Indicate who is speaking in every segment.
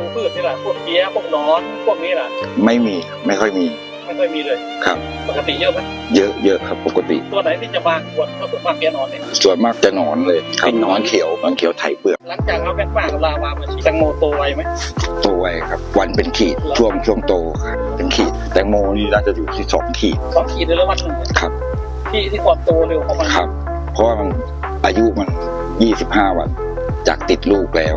Speaker 1: พืชนี่แหละพวกเพี้ยพวกหนอนพวกนี้แหละ
Speaker 2: ไม่มีไม่ค่อยมี
Speaker 1: เลย
Speaker 2: ครับ
Speaker 1: ปกติเยอะไหม
Speaker 2: เยอะครับปกติ
Speaker 1: ตัวไหนที่จะมาควรก็ส่วนมากเพี้ยหนอนเนี่ย
Speaker 2: ส่วนมากจะหนอนเลยครับหนอนเขียวไถเปลือก
Speaker 1: หลังจากเอาแป้งป้ากับลาวามาฉีดแตงโมโตไวไหม
Speaker 2: โตไวครับวันเป็นขีดช่วงโตครับเป็นขีดแตงโมนี่น่าจะอยู่ที่2 ขีด
Speaker 1: เลยแล้ววันหนึ่ง
Speaker 2: ครับ
Speaker 1: ที่ความโตเร็วเข้ามา
Speaker 2: ครับเพราะว่ามันอายุมัน25 วันจากติดลูกแล้ว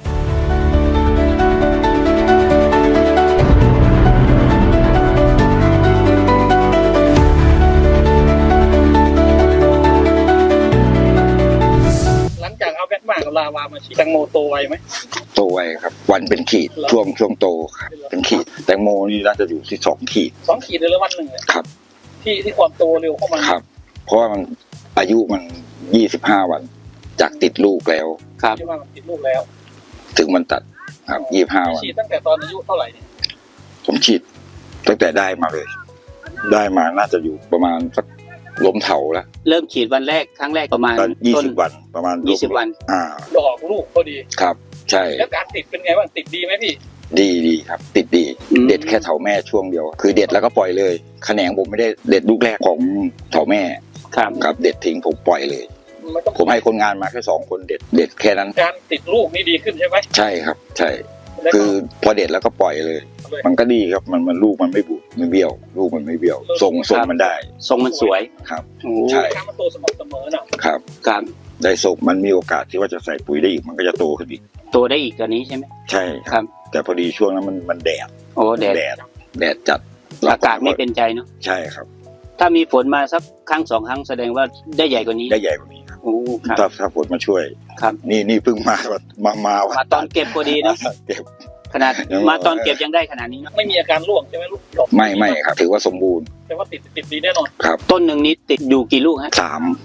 Speaker 1: ลาวามาฉีดแตงโมโตไวไหม
Speaker 2: โตไวครับวันเป็นขีดช่วงโตครับเป็นขีดแตงโมนี่น่าจะอยู่ที่2 ขีด
Speaker 1: เลยแล้ววันหนึ่ง
Speaker 2: ครับ
Speaker 1: ที่ความโตเร็วเข้ามา
Speaker 2: ครับเพราะว่ามันอายุมัน25 วันจากติดลูกแล้ว
Speaker 1: ครับที่ว่ามันติดลูกแล้ว
Speaker 2: ถึงมันตัดครับ25 วัน
Speaker 1: ฉีดตั้งแต่ตอนอายุเท่าไหร่
Speaker 2: ผมฉีดตั้งแต่ได้มาเลยได้มาน่าจะอยู่ประมาณสักล้มเถาแล้ว
Speaker 3: เริ่มฉีดวันแรกครั้งแรกประมาณ
Speaker 2: 20 วันประมาณ
Speaker 3: 20 วัน
Speaker 1: ดอกลูกพอดี
Speaker 2: ครับใช่
Speaker 1: แล้วการติดเป็นไงบ้างติดดีไหมพี่
Speaker 2: ดีครับติดดีเด็ดแค่เถาแม่ช่วงเดียวคือเด็ดแล้วก็ปล่อยเลยแขนงผมไม่ได้เด็ดลูกแรกของเถาแม่ครับเด็ดทิ้งผมปล่อยเลยผมให้คนงานมาแค่2 คนเด็ดแค่นั้น
Speaker 1: การติดลูกนี่ดีขึ้นใช่ไหม
Speaker 2: ใช่ครับใช่คือพอเด็ดแล้วก็ปล่อยเลยมันก็ดีครับมันลูกมันไม่บุไม่เบี้ยวลูกมันไม่เบี้ยวทรงมันได้
Speaker 3: ทรงมันสวย
Speaker 2: ครับใช่
Speaker 1: มันโตสม่ำเสมอ
Speaker 2: นะครับได้ทรงมันมีโอกาสที่ว่าจะใส่ปุ๋ยได้อีกมันก็จะโตขึ้นอีก
Speaker 3: โตได้อีกกว่านี้ใช่ไหม
Speaker 2: ใช่ครับแต่พอดีช่วงนั้นมันแดดแดดจัด
Speaker 3: อากาศไม่เป็นใจเนาะ
Speaker 2: ใช่ครับ
Speaker 3: ถ้ามีฝนมาสักครั้ง2 ครั้งแสดงว่าได้ใหญ่กว่านี้
Speaker 2: ครับโอ้ถ้าฝนมาช่วย
Speaker 3: ครับ
Speaker 2: นี่เพิ่งมา
Speaker 3: ตอนเก็บพอดีเนาะ
Speaker 2: เก็บ
Speaker 3: ขนาดมาตอนเก็บยังได้ขนาดนี้เนาะ
Speaker 1: ไม่มีอาการร่วงใช่ไหมลูกดอก
Speaker 2: ไม่ครับถือว่าสมบูรณ์
Speaker 1: แต่ว่าติดดีแน่นอน
Speaker 2: ครับ
Speaker 3: ต้นหนึ่งนี้ติดอยู่กี่ลูกฮะ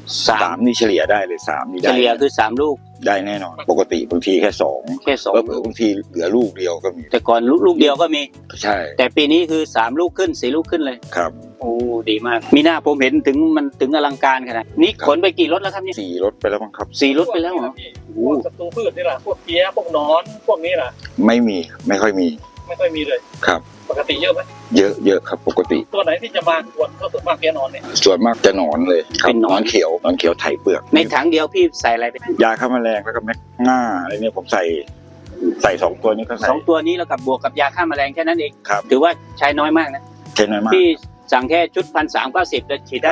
Speaker 2: 3นี่เฉลี่ยได้เลย3นี่ได้
Speaker 3: เฉลี่ยคือ3 ลูก
Speaker 2: ได้แน่นอนปกติบางทีแค่2บางทีเหลือลูกเดียวก็มี
Speaker 3: แต่ก่อนลูกเดียวก็มี
Speaker 2: ใช่
Speaker 3: แต่ปีนี้คือ3 ลูกขึ้น4 ลูกขึ้นเลย
Speaker 2: ครับ
Speaker 3: โอ้ดีมากมีหน้าผมเห็นถึงอลังการขนาดนี้ขนไปกี่รถแล้วครับเนี่ย
Speaker 2: 4 รถไปแล้วมั้งครับ
Speaker 3: 4 รถไปแล้วเหรอ
Speaker 1: พวกศัตรูพืชนี่แหละพวกเพี้ยพวกหนอนพวกนี้แหละ
Speaker 2: ไม่ค่อยมี
Speaker 1: เลย
Speaker 2: ครับ
Speaker 1: ปกติเยอะไหม
Speaker 2: เยอะครับปกติ
Speaker 1: ตัวไหนที่จะมาควรก็ส่วนมากเพี้ยหนอนเนี่ย
Speaker 2: ส่วนมากจะหนอนเลยเป็นหนอนเขียวไถเปลือก
Speaker 3: ในถังเดียวพี่ใส่อะไรไป
Speaker 2: ยาฆ่าแมลงแล้วก็แมกง่าอะไรเนี่ยผมใส่2 ตัวนี้ก็ใส่
Speaker 3: 2 ตัวนี้แล้วกับบวกกับยาฆ่าแมลงแค่นั้นเองถือว่าใช้น้อยมากนะ
Speaker 2: ใช้น้อยมาก
Speaker 3: พี่สั่งแค่ชุด1,390แล้วฉีดได้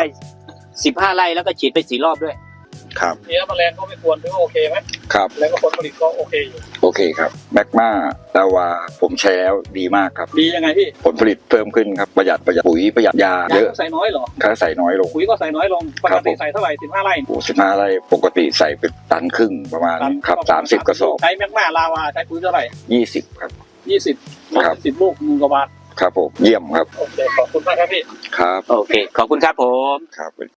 Speaker 3: 15 ไร่แล้วก็ฉีดไป4 รอบด้วย
Speaker 2: ครับ
Speaker 1: เพี้ยแมลงก็ไม่ควรถือว่าโอเคไหม
Speaker 2: ครับ
Speaker 1: แล้วก็ผลผลิตก็โอเคอยู่
Speaker 2: โอเคครับแมกมาลาวาผมใช้แล้วดีมากครับ
Speaker 1: ดียังไงพี่
Speaker 2: ผลผลิตเพิ่มขึ้นครับประหยัดปุ๋ยประหยัดยาเยอะ
Speaker 1: ใส่น้อยเหรอ
Speaker 2: ค่าใส่น้อยลง
Speaker 1: ปุ๋ยก็ใส่น้อยลงปกติใส่เท่าไหร่15 ไร่
Speaker 2: 15 ไร่ปกติใส่เป็น1.5 ตันประมาณครับ30 กระสอบ
Speaker 1: ใช้แมกมาลาวาใช้ปุ๋ยเท่าไหร่
Speaker 2: 20ครับ
Speaker 1: 20 10 ลูก1 กว่าบาท
Speaker 2: ครับผมเยี่ยมครับ
Speaker 1: โอเคขอบคุณมากครับพี่
Speaker 2: ครับ
Speaker 3: โอเคขอบคุณครับผม
Speaker 2: ครับ